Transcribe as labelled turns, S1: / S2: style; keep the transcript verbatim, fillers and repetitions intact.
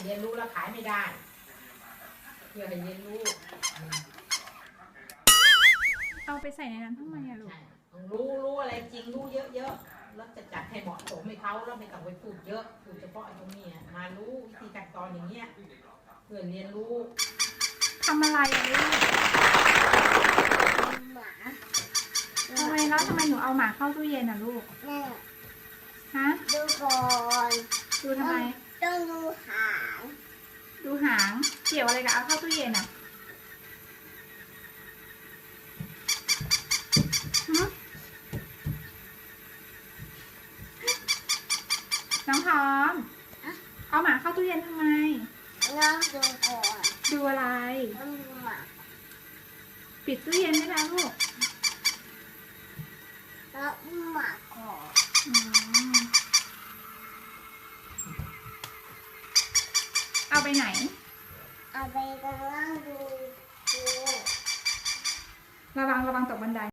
S1: รียนรู้แล้วขายไม่ได้เพื่อให้เรียนรู้
S2: เอาไปใส่ในนั้นทำไมอะลูก
S1: รู้รู้อะไรจริงรู้เยอะๆแล้วจะจัดให้เหมาะสมให้เขาแล้วไม่ต้องไปพูดเยอะพูดเฉพาะตรงนี้มารู้วิธีการตอนอย่างเงี้ยเพื่อเรียนรู้
S2: ทำอะไรอะลูก
S3: หมา
S2: ทำไมแล้วทำไมหนูเอาหมาเข้าตู้เย็นอะลูกฮะ
S3: ดูก่อน
S2: ดูทำไม
S3: ต้องดูหาง
S2: ดูหางเกี่ยวอะไรกับเอาเข้าตู้เย็นอะน้องพร้อมเอาหมาเข้าตู้เย็นทำไม
S3: น้องดูก่อน
S2: ดูอะไร
S3: ต้องดูหมา
S2: ปิดตู้เย็นได้แล้วลูก
S3: แล้วหมาก่อน
S2: เอาไปไหน
S3: เอาไปกำลังดูดู
S2: ระวังระวังตกบันได